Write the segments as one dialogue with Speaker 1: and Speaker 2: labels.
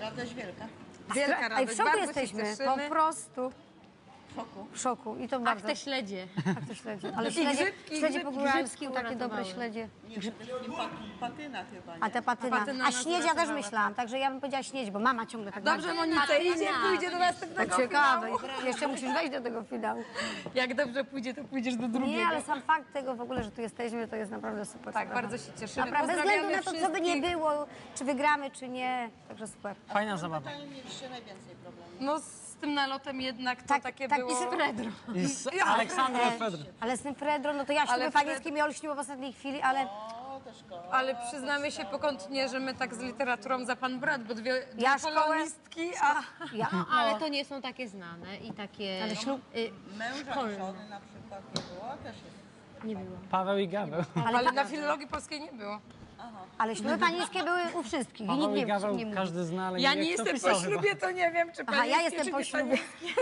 Speaker 1: Radość wielka.
Speaker 2: Wielka
Speaker 3: Ej,
Speaker 2: radość,
Speaker 3: w szoku
Speaker 2: bardzo
Speaker 3: jesteśmy,
Speaker 2: się cieszymy.
Speaker 3: po prostu
Speaker 1: W szoku.
Speaker 3: w szoku. I to
Speaker 4: Ach,
Speaker 3: bardzo.
Speaker 4: te śledzie.
Speaker 3: Tak, te śledzie. Ale
Speaker 2: I
Speaker 3: śledzie,
Speaker 2: grzybki,
Speaker 3: śledzie
Speaker 2: grzybki,
Speaker 3: po góralsku,
Speaker 4: grzybki
Speaker 3: takie dobre
Speaker 4: uratowały.
Speaker 3: śledzie.
Speaker 1: Nie, przede wszystkim patyna chyba, nie?
Speaker 3: A te patyna.
Speaker 2: Patyna
Speaker 3: A
Speaker 2: nas
Speaker 3: śnieć ja też
Speaker 2: uratowała,
Speaker 3: myślałam, także ja bym powiedziała śnieć, bo mama ciągle tak
Speaker 2: Dobrze, Monice, idzie, pójdzie do następnego
Speaker 3: Ciekawe.
Speaker 2: finału.
Speaker 3: Jeszcze musisz wejść do tego finału.
Speaker 2: Jak dobrze pójdzie, to pójdziesz do drugiego.
Speaker 3: Nie, ale sam fakt tego w ogóle, że tu jesteśmy, to jest naprawdę super.
Speaker 2: Tak,
Speaker 3: sprawa.
Speaker 2: bardzo się cieszymy.
Speaker 3: Naprawdę, bez względu na to, co by
Speaker 2: wszystkich.
Speaker 3: nie było, czy wygramy, czy nie. Także super.
Speaker 5: Fajna zabawa.
Speaker 1: Tutaj mieliście najwięcej problemów.
Speaker 2: No z tym nalotem jednak to
Speaker 3: Tak,
Speaker 2: takie
Speaker 3: tak,
Speaker 2: było...
Speaker 3: i z Fredro.
Speaker 5: I z Aleksandrą Fedr.
Speaker 3: Ale z tym Fredro, no to ja
Speaker 2: Ale
Speaker 3: śluby panieńskie mi olśniło w ostatniej chwili, ale
Speaker 1: O, to szkoda.
Speaker 2: Ale przyznamy się pokątnie, że my tak z literaturą za pan brat, bo dwie
Speaker 3: Ja szkołę-
Speaker 2: polonistki, a...
Speaker 3: ja.
Speaker 4: Ale to nie są takie znane i takie...
Speaker 3: Ale ślub-
Speaker 1: Męża
Speaker 4: szkolne.
Speaker 1: i żony na przykład nie było, też jest.
Speaker 4: Nie było.
Speaker 5: Paweł i Gaweł.
Speaker 2: Ale na filologii polskiej nie było.
Speaker 3: Ale śluby panieńskie były u wszystkich i nikt
Speaker 5: Paweł i
Speaker 3: nie,
Speaker 5: Gaweł
Speaker 3: nie mówi.
Speaker 5: każdy zna, ale
Speaker 2: Ja
Speaker 5: wie,
Speaker 2: nie
Speaker 5: kto
Speaker 2: jestem
Speaker 5: pisał
Speaker 2: po ślubie, to nie wiem, czy
Speaker 3: Aha, ja
Speaker 2: panieńskie,
Speaker 3: jestem
Speaker 2: czy
Speaker 3: po
Speaker 2: nie
Speaker 3: ślubie.
Speaker 2: panieńskie.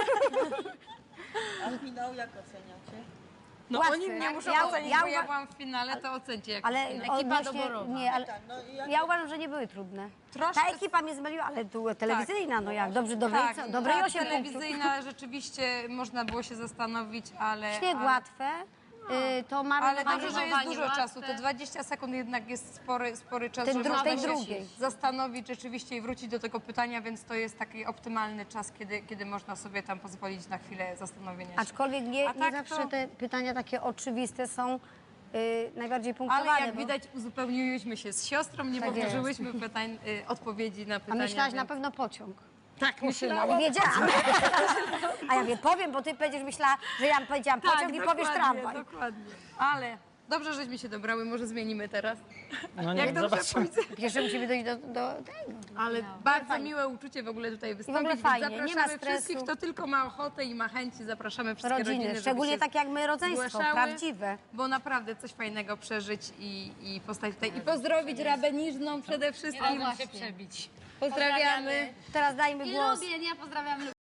Speaker 1: A finał jak oceniacie?
Speaker 2: No
Speaker 3: Łatwy.
Speaker 2: oni mnie muszą
Speaker 3: Ja-
Speaker 2: ocenić,
Speaker 3: ja
Speaker 2: bo ja
Speaker 3: uwa-
Speaker 2: byłam w finale, to ocencie jak
Speaker 3: Ale
Speaker 2: finał.
Speaker 4: Ekipa
Speaker 3: odnośnie,
Speaker 4: doborowa.
Speaker 3: nie, ale
Speaker 1: Tak, no i jak
Speaker 3: ja uważam, że nie były trudne.
Speaker 2: Troszkę-
Speaker 3: Ta ekipa mnie zmyliła, ale tu telewizyjna, no jak, dobrze, dobrej,
Speaker 2: Tak,
Speaker 3: dobrej
Speaker 2: tak,
Speaker 3: 8 punktów.
Speaker 2: telewizyjna rzeczywiście można było się zastanowić, ale...
Speaker 3: Śnieg
Speaker 2: ale...
Speaker 3: łatwe, to
Speaker 2: Ale
Speaker 3: marnowanie.
Speaker 2: dobrze, że jest
Speaker 4: Marnowanie
Speaker 2: dużo
Speaker 4: łatwe.
Speaker 2: czasu. Te 20 sekund jednak jest spory czas,
Speaker 3: Ten
Speaker 2: żeby
Speaker 3: dru-
Speaker 2: można
Speaker 3: tej
Speaker 2: się
Speaker 3: drugiej.
Speaker 2: zastanowić rzeczywiście i wrócić do tego pytania, więc to jest taki optymalny czas, kiedy można sobie tam pozwolić na chwilę zastanowienia się.
Speaker 3: Aczkolwiek nie,
Speaker 2: A
Speaker 3: nie
Speaker 2: tak
Speaker 3: zawsze
Speaker 2: to-
Speaker 3: te pytania takie oczywiste są najbardziej punktowane.
Speaker 2: Ale jak
Speaker 3: bo
Speaker 2: widać uzupełniłyśmy się z siostrą, nie
Speaker 3: Tak jest.
Speaker 2: powtórzyłyśmy pytań, odpowiedzi na
Speaker 3: A
Speaker 2: pytania.
Speaker 3: myślałaś na
Speaker 2: więc-
Speaker 3: pewno pociąg.
Speaker 2: Tak,
Speaker 3: Nie
Speaker 2: myślałam.
Speaker 3: wiedziałam. A ja wiem, powiem, bo ty będziesz myślała, że ja powiedziałam pociąg i powiesz tramwaj.
Speaker 2: Dokładnie. Ale dobrze, żeśmy się dobrały, może zmienimy teraz.
Speaker 5: No
Speaker 2: Jak
Speaker 5: nie,
Speaker 2: dobrze
Speaker 5: zobaczymy.
Speaker 2: pójdzie.
Speaker 3: Pierwsze musimy dojść do tego.
Speaker 2: Ale bardzo miłe uczucie w ogóle tutaj wystąpić.
Speaker 3: ogóle
Speaker 2: więc
Speaker 3: fajnie, nie ma
Speaker 2: zapraszamy
Speaker 3: stresu.
Speaker 2: wszystkich, kto tylko ma ochotę i ma chęci, zapraszamy wszystkie rodziny,
Speaker 3: Rodziny,
Speaker 2: żeby
Speaker 3: szczególnie
Speaker 2: się
Speaker 3: tak jak my, rodzeństwo,
Speaker 2: zgłaszały,
Speaker 3: prawdziwe.
Speaker 2: Bo naprawdę coś fajnego przeżyć i postawić tutaj. I pozdrowić Rabę Niżną przede wszystkim.
Speaker 4: Mogłam się przebić.
Speaker 2: Pozdrawiamy.
Speaker 3: Teraz dajmy
Speaker 4: I
Speaker 3: głos.
Speaker 4: lubię, nie? Pozdrawiam